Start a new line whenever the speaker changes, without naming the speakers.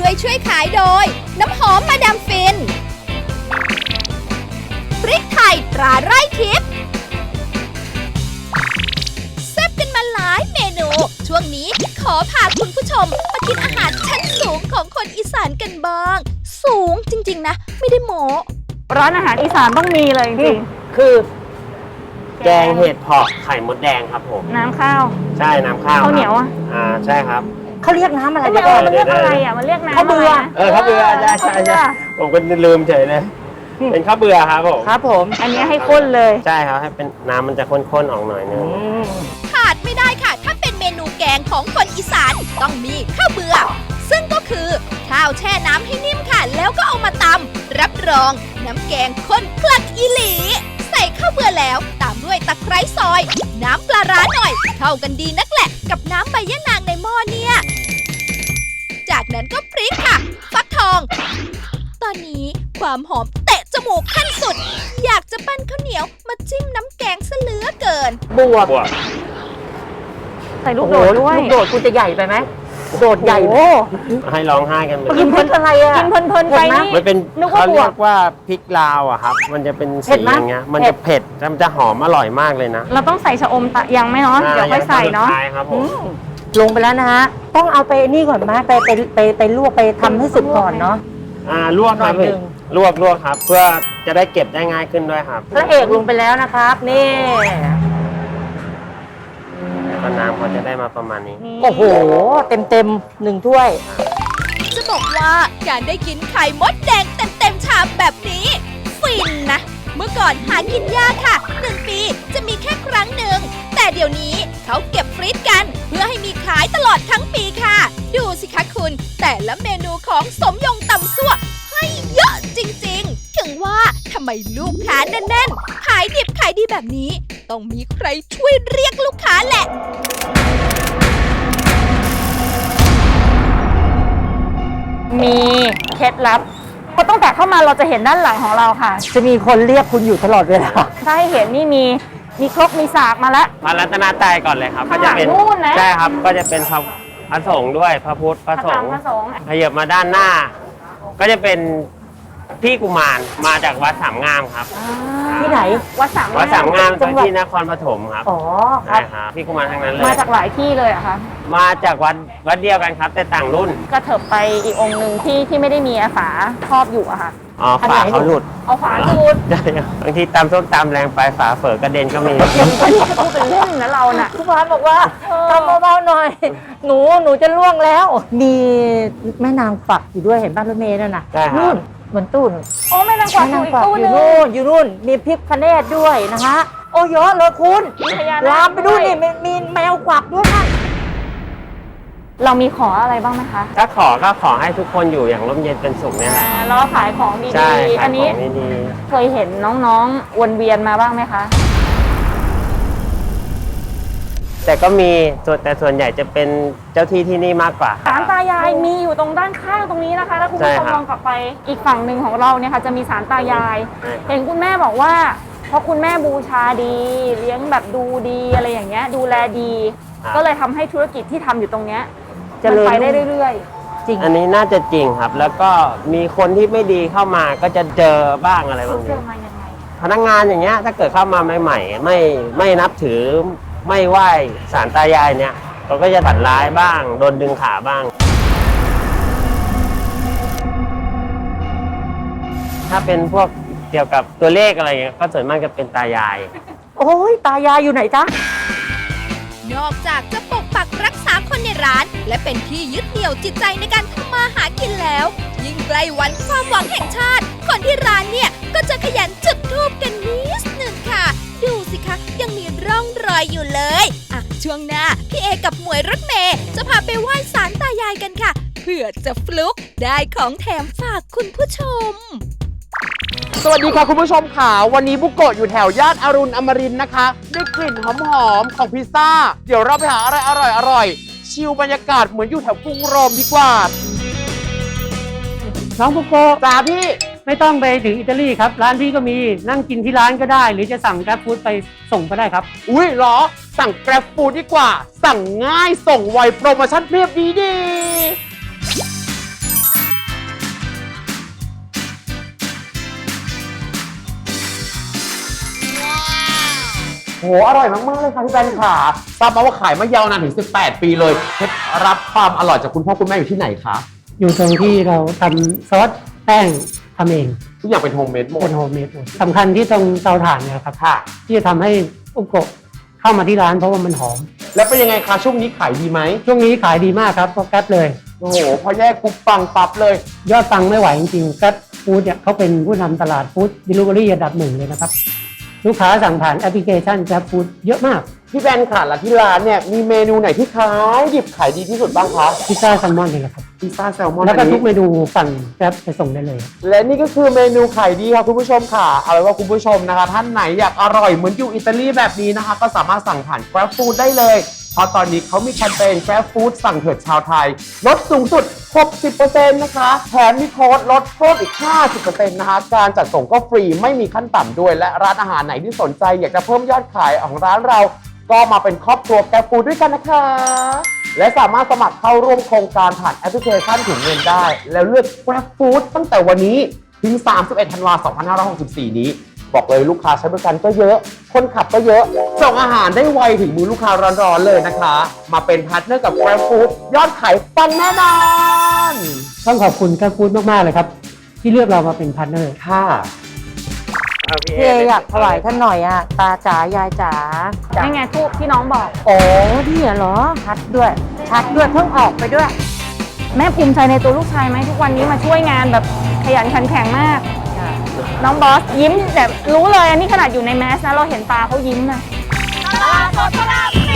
ช่วยขายโดยน้ำหอมมาดามฟินพริกไทยตราไร่ทิพย์แซ่บกันมาหลายเมนูช่วงนี้ขอพาคุณผู้ชมมากินอาหารชั้นสูงของคนอีสานกันบ้างสูงจริงๆนะไม่ได้โม้
ร้านอาหารอีสานต้องมีเลยจริง
คือแกงเห็ดเผาะไข่มดแดงครับผม
น้ำข้าว
ใช่น้ำข้าว
ข้าวเหนียว
ใช่ครับ
เขาเรียกน้ำอะไร
มันเรียกอะไรมันเรียกน้ำ
ข้าวเบื่อ
ข้าวเบื่อใช่ผมก็ลืมเฉยเลยเป็นข้าวเบื่อครับผม
ครับผม
อันนี้ให้ข้นเลย
ใช่ครับให้เป็นน้ำมันจะข้นๆออกหน่อยนึง
ขาดไม่ได้ค่ะถ้าเป็นเมนูแกงของคนอีสานต้องมีข้าวเบื่อซึ่งก็คือข้าวแช่น้ำให้นิ่มค่ะแล้วก็เอามาตำรับรองน้ำแกงข้นคลักอีหลีใส่ข้าวเบื่อแล้วตามด้วยตะไคร้ซอยน้ำปลาร้าหน่อยเข้ากันดีนักแหละกับน้ำใบยะนางในหม้อเนี่ยจากนั้นก็พริกค่ะฟักทองตอนนี้ความหอมเตะจมูกขั้นสุดอยากจะปั้นข้าวเหนียวมาจิ้มน้ำแกงซะเหลือเกิน
บวบ
ใส่ลูกโดดด้วย
ลูกโดดคุณจะใหญ่ไปไหมโดดใหญ่
ให้ร้องไห้กัน
กินเพลินอะไรอ่ะ
กินเพลินไปนี่
มันเป็นเขาเรียกว่าพริกลาวอะครับมันจะเป็นสีอย่างเงี้ยมันจะเผ็ดมันจะหอมอร่อยมากเลยนะ
เราต้องใส่ชะอมยังไหมเนาะเดี๋ยวค่อยใส่เนาะ
ครับผม
ลงไปแล้วนะฮะต้องเอาไปนี่ก่อนไหมไปลวกไปทำให้สุกก่อนเนาะ
ลวกครับลวกครับเพื่อจะได้เก็บได้ง่ายขึ้นด้วยครับ
พระเอกลงไปแล้วนะครับนี่
ก็น้ำเขาจะได้มาประมาณนี้
โอ้โหเต็ม1 ถ้วย
จะบอกว่าการได้กินไข่มดแดงเต็มชามแบบนี้ฟินนะเมื่อก่อนหากินยากค่ะ1 ปีจะมีแค่ครั้งหนึ่งแต่เดี๋ยวนี้เขาเก็บฟรีซกันเพื่อให้มีขายตลอดทั้งปีค่ะดูสิคะคุณแต่ละเมนูของสมยงตำซั่วให้เยอะจริงๆถึงว่าทำไมลูกค้าแน่นๆขายดิบขายดีแบบนี้ต้องมีใครช่วยเรียกลูกค้าแหละ
มีเคล็ดลับเพราะตั้งแต่เข้ามาเราจะเห็นด้านหลังของเราค่ะ
จะมีคนเรียกคุณอยู่ตลอดเวลา
ถ้าให้เห็นนี่มีครกมีสากมาแล้ว
พระรัตนตรัยก่อนเลยครับก็จะเป็นใช่ครับก็จะเป็นพระสงฆ์ด้วยพระพุทธพระสงฆ์ขยับมาด้านหน้าก็จะเป็นพี่กุมารมาจากวัดสามงามครับ
ที่ไหน
วัดสามงามที่นครปฐมครับ
อ๋อ
ใช่ครับพี่กุมารทั้งนั้นเลย
มาจากหลายที่เลยอะคะ
มาจากวัดเดียวกันครับแต่ต่างรุ่น
กระเถิบไปอีกองค์หนึ่งที่ไม่ได้มีฝาครอบอยู่อะค่ะ
ฝาเขาหลุด
เอาฝาหลุด
บางทีตำส้มตำแรงไปฝาเฝอกระเด็นก็มี
อันนี้พูดเป็นเล่นนะเราน่ะ
ผู้พันบอกว่าทำเบาๆหน่อยหนูจะล่วงแล้วมีแม่นางฝักอยู่ด้วยเห็นบ้านรถเมล์นั่นน่ะนู่นเหมือนตู้น
โอ้แม่นางฝักอยู่
นู่นมีพริกพะเนตด้วยนะฮะโอ้เยอะเลยคุณลามไปดูนี่มีแมวกวักด้วยนะ
เรามีขออะไรบ้างไหมคะ
ถ้าก็ขอให้ทุกคนอยู่อย่างร่มเย็นเป็นสุขเนี่ยแหละ
แล้วขายของดีๆอันนี้เคยเห็นน้องๆวนเวียนมาบ้างไหมคะ
แต่ก็มีแต่ส่วนใหญ่จะเป็นเจ้าที่ที่นี่มากกว่า
ศาลตายายมีอยู่ตรงด้านข้างตรงนี้นะคะถ้าคุณผู้ชมมองกลับไปอีกฝั่งหนึ่งของเราเนี่ยค่ะจะมีศาลตายายเห็นคุณแม่บอกว่าเพราะคุณแม่บูชาดีเลี้ยงแบบดูดีอะไรอย่างเงี้ยดูแลดีก็เลยทำให้ธุรกิจที่ทำอยู่ตรงเนี้ยจะไปได้เรื่อย
ๆจริงอันนี้น่าจะจริงครับแล้วก็มีคนที่ไม่ดีเข้ามาก็จะเจอบ้างอะไรบางอย่างพนักงานอย่างเงี้ยถ้าเกิดเข้ามาใหม่ๆไม่นับถือไม่ไหว้ศาลตายายเนี่ยเขาก็จะตัดร้ายบ้างโดนดึงขาบ้างถ้าเป็นพวกเกี่ยวกับตัวเลขอะไรเงี้ยก็ส่วนมากจะเป็นตายาย
โอ้ยตายายอยู่ไหนจ๊ะ
นอกจากจะปกปักรักษาคนในร้านและเป็นที่ยึดเหนี่ยวจิตใจในการทำมาหากินแล้วยิ่งใกล้วันความหวังแห่งชาติคนที่ร้านเนี่ยก็จะขยันจุดธูปกันนิดหนึ่งค่ะดูสิคะยังมีร่องรอยอยู่เลยช่วงหน้าพี่เอกับหมวยรถเมย์จะพาไปไหว้ศาลตายายกันค่ะเพื่อจะฟลุกได้ของแถมฝากคุณผู้ชม
สวัสดีค่ะคุณผู้ชมค่ะวันนี้บุโกะอยู่แถวย่านอรุณอมรินทร์นะคะได้กลิ่นหอมๆของพิซซ่าเดี๋ยวเราไปหาอะไรอร่อยชิลบรรยากาศเหมือนอยู่แถวกรุงโรมดีกว่า
น้องบุโกะ
จ้าพี่
ไม่ต้องไปถึงอิตาลีครับร้านพี่ก็มีนั่งกินที่ร้านก็ได้หรือจะสั่งแกร็บฟู้ดไปส่งก็ได้ครับ
อุ้ยเหรอสั่งแกร็บฟู้ดดีกว่าสั่งง่ายส่งไวโปรโมชั่นเพียบดีโหอร่อยมากๆเลยค่ะพี่แบนค่ะทราบมาว่าขายมายาวนานถึง 18 ปีเลยเคล็ดรับความอร่อยจากคุณพ่อคุณแม่อยู่ที่ไหนคะ
อยู่ตรงที่เราทำซอสแป้งทำเอง
ทุกอย่างเป็นโฮมเมดหม
เป็
ด
นโฮมเมดหมดสำคัญที่ตรงเตาถ่านเนี่ยครับ
ค่ะ
ที่จะทำให้อุโกะเข้ามาที่ร้านเพราะว่ามันหอม
แล้วเป็นยังไงคะช่วงนี้ขายดีไหม
ช่วงนี้ขายดีมากครับก็แก๊ปเลย
โอ้โหพอแยกปุ๊บปังปั๊บเลย
ยอดปังไม่ไหวจริงๆแก๊ปฟู้ดเนี่ยเขาเป็นผู้นำตลาดฟู้ดดิลิเวอรี่อันดับหนึ่งเลยนะครับ ลูกค้าสั่งผ่านแอปพลิเคชันแก๊ปฟู้ดเยอะมาก
พี่แบนค่ะแล้วที่ร้านเนี่ยมีเมนูไหนที่ขายดิบขายดีที่สุดบ้างคะ
พิซซ่าแซลมอนนี่แหละครับ
พิซซ่าแซลมอน
แล้วก็
อัน
ทุ
นี้
กเมนูสั่งแก๊ปไปส่งได้เลย
และนี่ก็คือเมนูขายดีค่ะคุณผู้ชมค่ะเอาไว้ว่าคุณผู้ชมนะคะ ท่านไหนอยากอร่อยเหมือนอยู่อิตาลีแบบนี้นะคะ ก็สามารถสั่งผ่าน Grab Food ได้เลย เพราะตอนนี้เขามีแคมเปญ Grab Food สั่งเถิดชาวไทย ลดสูงสุด 60% นะคะแถมมีโค้ดลดเพิ่มอีก 50% นะคะ การจัดส่งก็ฟรีไม่มีขั้นต่ำด้วย และร้านอาหารไหนที่สนใจ อยากจะเพิ่มยอดขายของร้านเรา ก็มาเป็นครอบครัว Grab Food ด้วยกันนะคะ และสามารถสมัครเข้าร่วมโครงการผ่านแอปพลิเคชันถุงเงินได้ แล้วเลือก Grab Food ตั้งแต่วันนี้ถึง 31 ธันวาคม 2564 นี้ บอกเลยลูกค้าใช้บริการก็เยอะ คนขับก็เยอะ ส่งอาหารได้ไวถึงมือลูกค้าร้อนๆเลยนะคะ มาเป็นพาร์ทเนอร์กับ Grab Food ยอดขายปังแน่นอน
ต้องขอบคุณแก๊ปฟู้ดมากๆเลยครับ ที่เลือกเรามาเป็นพาร์ทเนอร์
ค่ะ
พี่เออยากถวายท่านหน่อยอะตาจ๋ายายจ๋า
นี่ไงทูบที่น้องบอก
โอ้นี่เหรอชัดด้วยชัดด้วยเพิ่งออกไปด้วย
แม่ภูมิใจในตัวลูกชายไหมทุกวันนี้มาช่วยงานแบบขยันขันแข็งมาก น้องบอสยิ้มแบบรู้เลยอันนี้ขนาดอยู่ในแมสนะเราเห็นตาเขายิ้มนะ
ตลาดสดพระราม